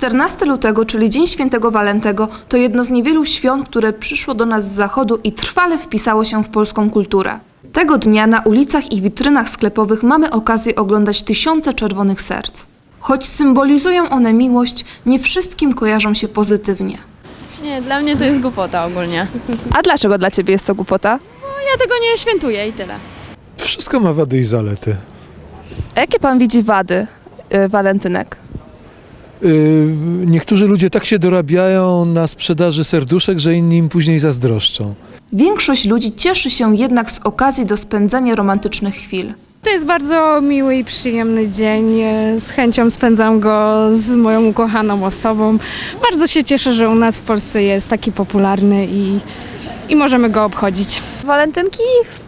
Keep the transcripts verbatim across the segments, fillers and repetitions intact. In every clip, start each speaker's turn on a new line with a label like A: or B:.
A: czternastego lutego, czyli Dzień Świętego Walentego, to jedno z niewielu świąt, które przyszło do nas z zachodu i trwale wpisało się w polską kulturę. Tego dnia na ulicach i witrynach sklepowych mamy okazję oglądać tysiące czerwonych serc. Choć symbolizują one miłość, nie wszystkim kojarzą się pozytywnie.
B: Nie, dla mnie to jest głupota ogólnie.
A: A dlaczego dla Ciebie jest to głupota?
B: No, ja tego nie świętuję i tyle.
C: Wszystko ma wady i zalety.
A: A jakie Pan widzi wady y, walentynek?
C: Yy, niektórzy ludzie tak się dorabiają na sprzedaży serduszek, że inni im później zazdroszczą.
A: Większość ludzi cieszy się jednak z okazji do spędzania romantycznych chwil.
D: To jest bardzo miły i przyjemny dzień. Z chęcią spędzam go z moją ukochaną osobą. Bardzo się cieszę, że u nas w Polsce jest taki popularny i, i możemy go obchodzić.
E: Walentynki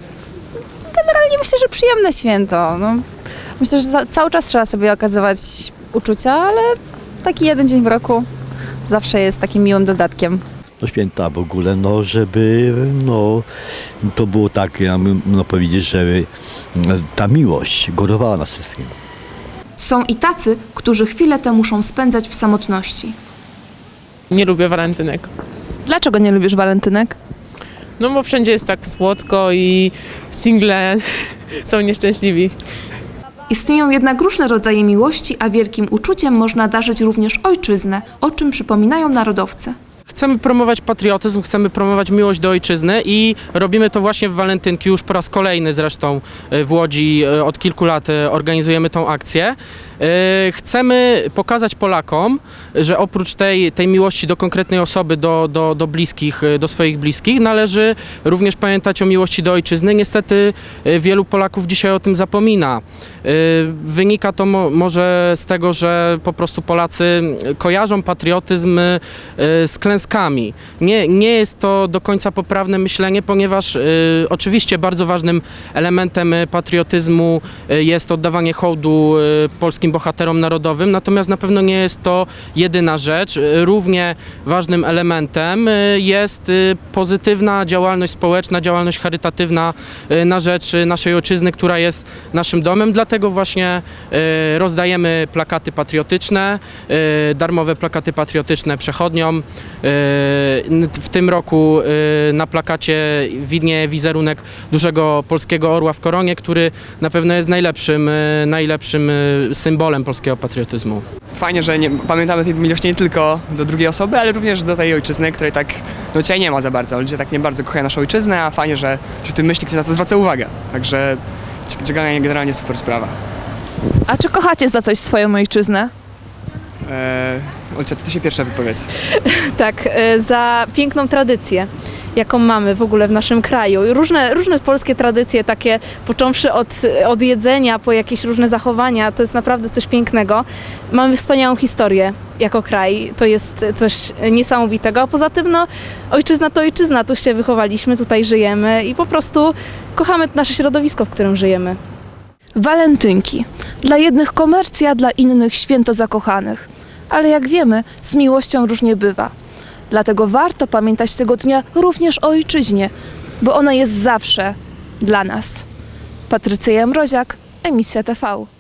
E: generalnie myślę, że przyjemne święto. No, myślę, że za, cały czas trzeba sobie okazywać uczucia, ale taki jeden dzień w roku zawsze jest takim miłym dodatkiem.
F: Do święta w ogóle, no żeby no, to było tak, ja bym no, powiedzieć, że ta miłość górowała nas wszystkim.
A: Są i tacy, którzy chwilę tę muszą spędzać w samotności.
G: Nie lubię walentynek.
A: Dlaczego nie lubisz walentynek?
G: No bo wszędzie jest tak słodko i single są nieszczęśliwi.
A: Istnieją jednak różne rodzaje miłości, a wielkim uczuciem można darzyć również ojczyznę, o czym przypominają narodowcy.
H: Chcemy promować patriotyzm, chcemy promować miłość do ojczyzny i robimy to właśnie w walentynki, już po raz kolejny zresztą w Łodzi od kilku lat organizujemy tą akcję. Chcemy pokazać Polakom, że oprócz tej, tej miłości do konkretnej osoby, do, do, do bliskich, do swoich bliskich, należy również pamiętać o miłości do ojczyzny. Niestety wielu Polaków dzisiaj o tym zapomina. Wynika to mo może z tego, że po prostu Polacy kojarzą patriotyzm z klęskami. Nie, nie jest to do końca poprawne myślenie, ponieważ y, oczywiście bardzo ważnym elementem patriotyzmu jest oddawanie hołdu y, polskim bohaterom narodowym, natomiast na pewno nie jest to jedyna rzecz. Równie ważnym elementem y, jest y, pozytywna działalność społeczna, działalność charytatywna y, na rzecz naszej ojczyzny, która jest naszym domem. Dlatego właśnie y, rozdajemy plakaty patriotyczne, y, darmowe plakaty patriotyczne przechodniom. W tym roku na plakacie widnieje wizerunek dużego polskiego orła w koronie, który na pewno jest najlepszym, najlepszym symbolem polskiego patriotyzmu.
I: Fajnie, że nie, pamiętamy tej miłości nie tylko do drugiej osoby, ale również do tej ojczyzny, której tak no, dzisiaj nie ma za bardzo. Ludzie tak nie bardzo kochają naszą ojczyznę, a fajnie, że, że w tym myśli ktoś na to zwraca uwagę. Także generalnie super sprawa.
A: A czy kochacie za coś swoją ojczyznę?
I: Eee, Olcia, ty się pierwsza wypowiedz.
D: Tak, za piękną tradycję, jaką mamy w ogóle w naszym kraju. Różne, różne polskie tradycje, takie począwszy od, od jedzenia, po jakieś różne zachowania, to jest naprawdę coś pięknego. Mamy wspaniałą historię jako kraj, to jest coś niesamowitego, a poza tym no, ojczyzna to ojczyzna, tu się wychowaliśmy, tutaj żyjemy i po prostu kochamy nasze środowisko, w którym żyjemy.
A: Walentynki. Dla jednych komercja, dla innych święto zakochanych. Ale jak wiemy, z miłością różnie bywa. Dlatego warto pamiętać tego dnia również o ojczyźnie, bo ona jest zawsze dla nas. Patrycja Mroziak, Emisja T V.